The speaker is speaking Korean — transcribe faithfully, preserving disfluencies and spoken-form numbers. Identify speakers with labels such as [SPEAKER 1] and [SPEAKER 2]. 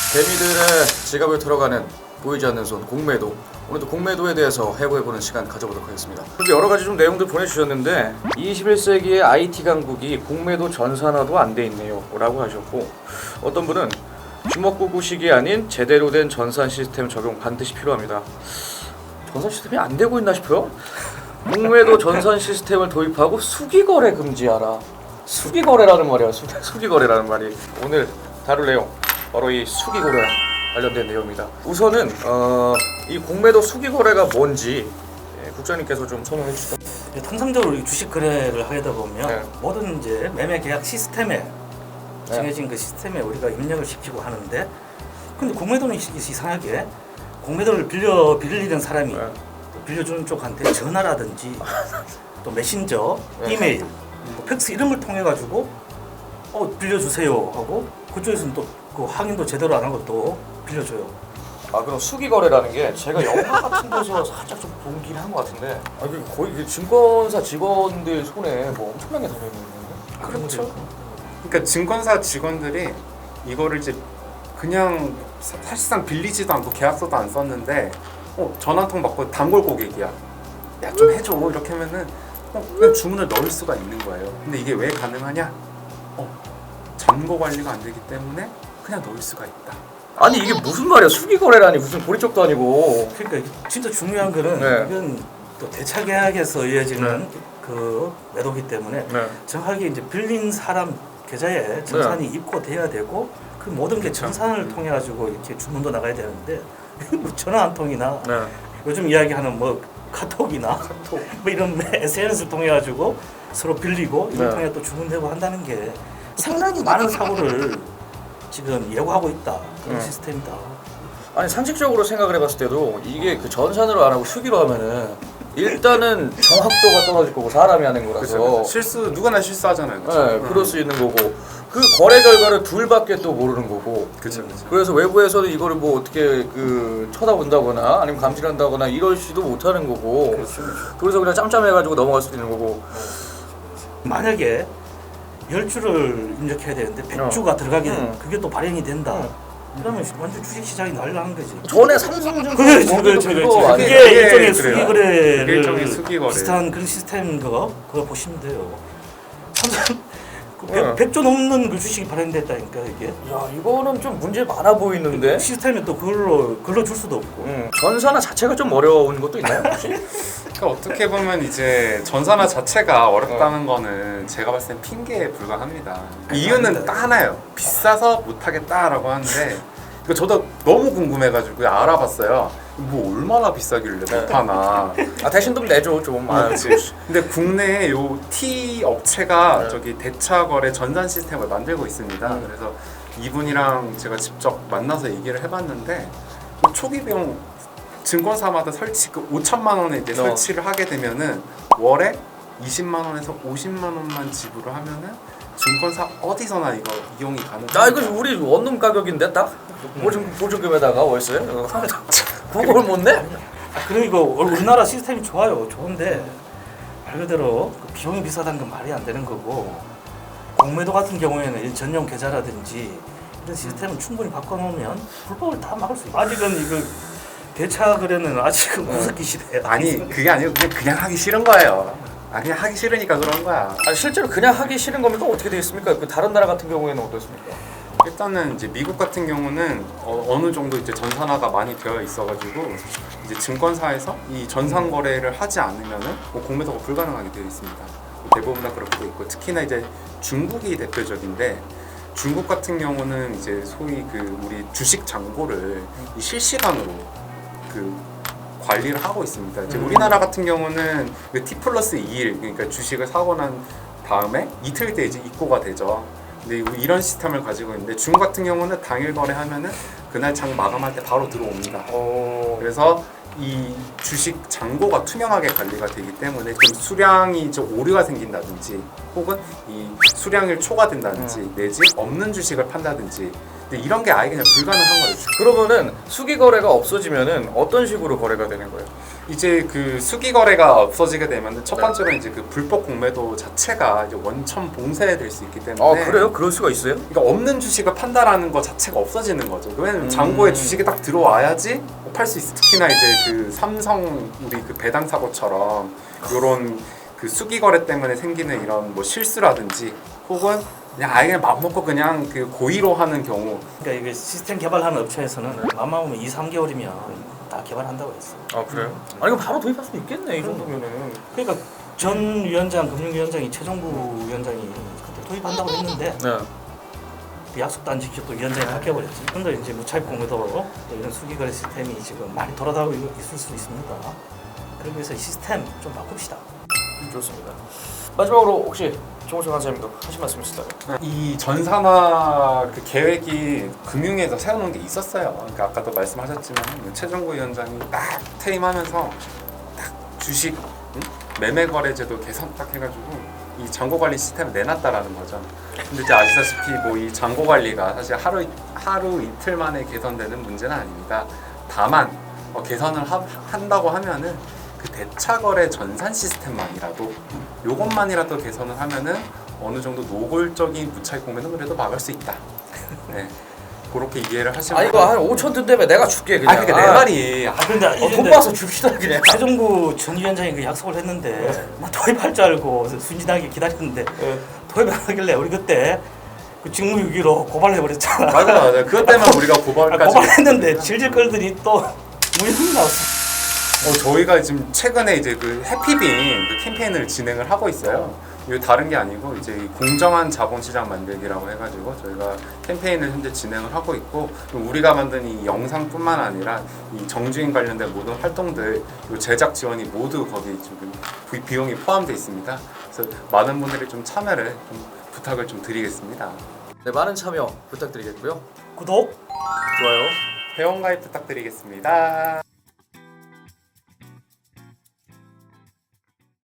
[SPEAKER 1] 개미들의 지갑에 들어가는 보이지 않는 손, 공매도. 오늘도 공매도에 대해서 해부해보는 시간 가져보도록 하겠습니다. 그렇게 여러 가지 좀 내용들 보내주셨는데 이십일 세기의 아이티 강국이 공매도 전산화도 안 돼 있네요 라고 하셨고, 어떤 분은 주먹구구식이 아닌 제대로 된 전산 시스템 적용 반드시 필요합니다. 전산 시스템이 안 되고 있나 싶어요. 공매도 전산 시스템을 도입하고 수기거래 금지하라. 수기거래라는 말이야. 수, 수기거래라는 말이. 오늘 다룰 내용 바로 이 수기거래 관련된 내용입니다. 우선은 어, 이 공매도 수기거래가 뭔지 예, 국장님께서 좀 설명해 주시죠.
[SPEAKER 2] 통상적으로 이 주식 거래를 하다 보면
[SPEAKER 1] 네.
[SPEAKER 2] 모든 이제 매매 계약 시스템에
[SPEAKER 1] 네.
[SPEAKER 2] 정해진 그 시스템에 우리가 입력을 시키고 하는데, 근데 공매도는 이- 이상하게 공매도를 빌려 빌리는 사람이
[SPEAKER 1] 네.
[SPEAKER 2] 빌려주는 쪽한테 전화라든지 또 메신저,
[SPEAKER 1] 네.
[SPEAKER 2] 이메일, 뭐 팩스 이런 걸 통해 가지고 어 빌려주세요 하고 그쪽에서는 또 그 확인도 제대로 안 하고 또 빌려줘요.
[SPEAKER 1] 아, 그럼 수기거래라는 게 제가 영화 같은 데서 살짝 좀 보긴 한 것 같은데, 아, 그 거의 그 증권사 직원들 손에 뭐 엄청나게 달려 있는 건데.
[SPEAKER 2] 그렇죠.
[SPEAKER 3] 그러니까 증권사 직원들이 이거를 이제 그냥 사, 사실상 빌리지도 않고 계약서도 안 썼는데 어, 전화 한 통 받고 단골 고객이야. 야 좀 해줘 이렇게 하면은 어, 그냥 주문을 넣을 수가 있는 거예요. 근데 이게 왜 가능하냐? 어, 잔고 관리가 안 되기 때문에 그냥 넣을 수가 있다.
[SPEAKER 1] 아니 이게 무슨 말이야? 수기거래라니 무슨 보리쪽도 아니고.
[SPEAKER 2] 그러니까 이게 진짜 중요한 거는
[SPEAKER 1] 네.
[SPEAKER 2] 이건 또 대차 계약에서 이어지는 그 매도기 때문에
[SPEAKER 1] 네.
[SPEAKER 2] 정확하게 이제 빌린 사람 계좌에 전산이 입고돼야 되고 그 모든 게 전산을 통해 가지고 이렇게 주문도 나가야 되는데 뭐 전화 한 통이나
[SPEAKER 1] 네.
[SPEAKER 2] 요즘 이야기하는 뭐 카톡이나 카톡 뭐 이런 에스엔에스를 통해 가지고 서로 빌리고 이걸
[SPEAKER 1] 네.
[SPEAKER 2] 통해 또 주문되고 한다는 게 상당히 많은 사고를 지금 예고하고 있다. 그런
[SPEAKER 1] 네.
[SPEAKER 2] 시스템이다.
[SPEAKER 1] 아니 상식적으로 생각을 해봤을 때도 이게 그 전산으로 안 하고 수기로 하면은 일단은 정확도가 떨어질 거고 사람이 하는 거라서.
[SPEAKER 3] 그렇죠. 실수 누구나 실수하잖아요. 그렇죠?
[SPEAKER 1] 네, 그럴 수 있는 거고 그 거래 결과를 둘밖에 또 모르는 거고.
[SPEAKER 3] 그렇죠. 그렇죠.
[SPEAKER 1] 그래서 외부에서는 이거를 뭐 어떻게 그 쳐다본다거나 아니면 감시한다거나 이러지도 못하는 거고.
[SPEAKER 2] 그렇죠.
[SPEAKER 1] 그래서 그냥 짬짬해가지고 넘어갈 수도 있는 거고.
[SPEAKER 2] 만약에 열 주를 입력해야 되는데 백 주가 들어가게 되면
[SPEAKER 1] 음.
[SPEAKER 2] 그게 또 발행이 된다.
[SPEAKER 1] 음.
[SPEAKER 2] 그러면 완전 주식 시장이 난리나는 거지.
[SPEAKER 1] 전에 삼성전자
[SPEAKER 2] 그렇죠,
[SPEAKER 1] 거기도
[SPEAKER 2] 그렇죠,
[SPEAKER 1] 그거
[SPEAKER 2] 그렇죠.
[SPEAKER 1] 아니에요?
[SPEAKER 2] 그게
[SPEAKER 3] 그게
[SPEAKER 2] 일종의
[SPEAKER 3] 그래요.
[SPEAKER 2] 수기 거래를
[SPEAKER 3] 그게 일종의 수기 거래.
[SPEAKER 2] 비슷한 그런 시스템인 거 그거 보시면 돼요. 삼성 그
[SPEAKER 1] 네.
[SPEAKER 2] 백 조 넘는 그 주식이 발행됐다니까 이게.
[SPEAKER 1] 야, 이거는 좀 문제 많아 보이는데.
[SPEAKER 2] 시스템이 또 그걸로 글로 줄 수도 없고.
[SPEAKER 1] 음, 전산화 자체가 좀 어려운 것도 있나요 혹시?
[SPEAKER 3] 그러니까 어떻게 보면 이제 전산화 자체가 어렵다는 거는 제가 봤을 땐 핑계에 불과합니다. 이유는 딱 하나예요. 비싸서 못하겠다라고 하는데 그 저도 너무 궁금해가지고 알아봤어요. 뭐 얼마나 비싸길래 못하나.
[SPEAKER 1] 아 대신 좀 내줘 좀. 아,
[SPEAKER 3] 그렇지. 근데 국내에 요 T 업체가
[SPEAKER 1] 네.
[SPEAKER 3] 저기 대차거래 전산 시스템을 만들고 있습니다.
[SPEAKER 1] 음.
[SPEAKER 3] 그래서 이분이랑 제가 직접 만나서 얘기를 해봤는데 초기 비용 증권사마다 설치 그 오천만 원에 이제
[SPEAKER 1] 어.
[SPEAKER 3] 설치를 하게 되면은 월에 이십만 원에서 오십만 원만 지불을 하면은 증권사 어디서나 이거 이용이 가능합니다.
[SPEAKER 1] 아 이거 우리 원룸 가격인데 딱 보증 보증금에다가 월세 그걸 못 내?
[SPEAKER 2] 아, 그리고 우리나라 시스템이 좋아요. 좋은데 말 그대로 그 비용이 비싸다는 건 말이 안 되는 거고, 공매도 같은 경우에는 이 전용 계좌라든지 이런 시스템은 충분히 바꿔놓으면 불법을 다 막을 수 있어요. 아직은 이거 대차 거래는 아직은 무섭기 시대야.
[SPEAKER 3] 아니 그게 아니고 그냥 그냥 하기 싫은 거예요. 아 그냥 하기 싫으니까 그런 거야.
[SPEAKER 1] 아 실제로 그냥 하기 싫은 겁니까? 어떻게 되어 있습니까? 그 다른 나라 같은 경우에는 어떻습니까?
[SPEAKER 3] 일단은 이제 미국 같은 경우는 어, 어느 정도 이제 전산화가 많이 되어 있어가지고 이제 증권사에서 이 전산 거래를 하지 않으면은 뭐 공매도가 불가능하게 되어 있습니다. 대부분 다 그렇게 되어 있고 특히나 이제 중국이 대표적인데 중국 같은 경우는 이제 소위 그 우리 주식 잔고를 이 실시간으로 그 관리를 하고 있습니다. 이제
[SPEAKER 1] 음.
[SPEAKER 3] 우리나라 같은 경우는 그 T 플러스 이 일 그러니까 주식을 사고 난 다음에 이틀 뒤에 이제 입고가 되죠. 근데 이런 시스템을 가지고 있는데 중국 같은 경우는 당일 거래하면은 그날 장 마감할 때 바로 들어옵니다.
[SPEAKER 1] 어...
[SPEAKER 3] 그래서 이 주식 잔고가 투명하게 관리가 되기 때문에 좀 수량이 좀 오류가 생긴다든지 혹은 이 수량이 초과된다든지
[SPEAKER 1] 음.
[SPEAKER 3] 내지 없는 주식을 판다든지 근데 이런 게 아예 그냥 불가능한 거예요.
[SPEAKER 1] 그러면은 수기 거래가 없어지면은 어떤 식으로 거래가 되는 거예요?
[SPEAKER 3] 이제 그 수기 거래가 없어지게 되면 첫 번째로 이제 그 불법 공매도 자체가 이제 원천 봉쇄될 수 있기 때문에.
[SPEAKER 1] 아 그래요? 그럴 수가 있어요?
[SPEAKER 3] 그러니까 없는 주식을 판다라는 것 자체가 없어지는 거죠. 왜냐면
[SPEAKER 1] 음.
[SPEAKER 3] 잔고에 주식이 딱 들어와야지 팔 수 있어. 특히나 이제 그 삼성 우리 그 배당 사고처럼 이런 그 수기 거래 때문에 생기는 이런 뭐 실수라든지 혹은 그냥 아예 그냥 맘 먹고 그냥 그 고의로 하는 경우.
[SPEAKER 2] 그러니까 이게 시스템 개발하는 업체에서는 맘만 먹으면 이, 삼 개월이면 다 개발한다고 했어.
[SPEAKER 1] 아 그래요? 아니 그럼 바로 도입할 수 있겠네 이 정도면은.
[SPEAKER 2] 그러니까 전 위원장 금융위원장이 최종구 위원장이 그때 도입한다고 했는데
[SPEAKER 1] 네.
[SPEAKER 2] 그 약속도 안 지키고 또 위원장이 바뀌어버렸지. 그런데 이제 무차입 공매도 또 이런 수기거래 시스템이 지금 많이 돌아다니고 있을 수 있습니다. 그러기 위해서 이 시스템 좀 바꿉시다.
[SPEAKER 1] 좋습니다. 마지막으로 혹시 정우성 간사님도 하실 말씀 있으시다면?
[SPEAKER 3] 이 전산화 그 계획이 금융위에서 세워놓은 게 있었어요. 그러니까 아까도 말씀하셨지만 최종구 위원장이 딱 퇴임하면서 딱 주식 응? 매매 거래제도 개선 딱 해가지고 이 잔고 관리 시스템을 내놨다라는 거죠. 근데 이제 아시다시피 뭐 이 잔고 관리가 사실 하루 하루 이틀 만에 개선되는 문제는 아닙니다. 다만 어, 개선을 하, 한다고 하면은 그 대차 거래 전산 시스템만이라도 요것만이라도 개선을 하면은 어느 정도 노골적인 무차익 공매는 그래도 막을 수 있다. 네. 그렇게 이해를 하시면.
[SPEAKER 1] 아 이거 한 오천 든다며 내가 줄게 그냥.
[SPEAKER 3] 아 그러니까 내 말이
[SPEAKER 2] 아 근데
[SPEAKER 1] 어, 돈 모아서 줍시다 그냥.
[SPEAKER 2] 최종구 전 위원장이 그 약속을 했는데 나 도입할 줄 알고 순진하게 기다렸는데 도입 안 하길래 우리 그때 그 직무유기로 고발해버렸잖아.
[SPEAKER 3] 맞아 맞아. 그것 때문에 우리가
[SPEAKER 2] 아,
[SPEAKER 3] 고발까지.
[SPEAKER 2] 고발했는데 질질 끌더니 또 무혐의 나왔어.
[SPEAKER 3] 어, 저희가 지금 최근에 이제 그 해피빈 그 캠페인을 진행을 하고 있어요. 이거 다른 게 아니고 이제 이 공정한 자본시장 만들기라고 해가지고 저희가 캠페인을 현재 진행을 하고 있고 우리가 만든 이 영상뿐만 아니라 이 정주행 관련된 모든 활동들 요 제작 지원이 모두 거기 지금 비- 비용이 포함되어 있습니다. 그래서 많은 분들이 좀 참여를 좀 부탁을 좀 드리겠습니다.
[SPEAKER 1] 네 많은 참여 부탁드리겠고요.
[SPEAKER 2] 구독.
[SPEAKER 1] 좋아요.
[SPEAKER 3] 회원가입 부탁드리겠습니다.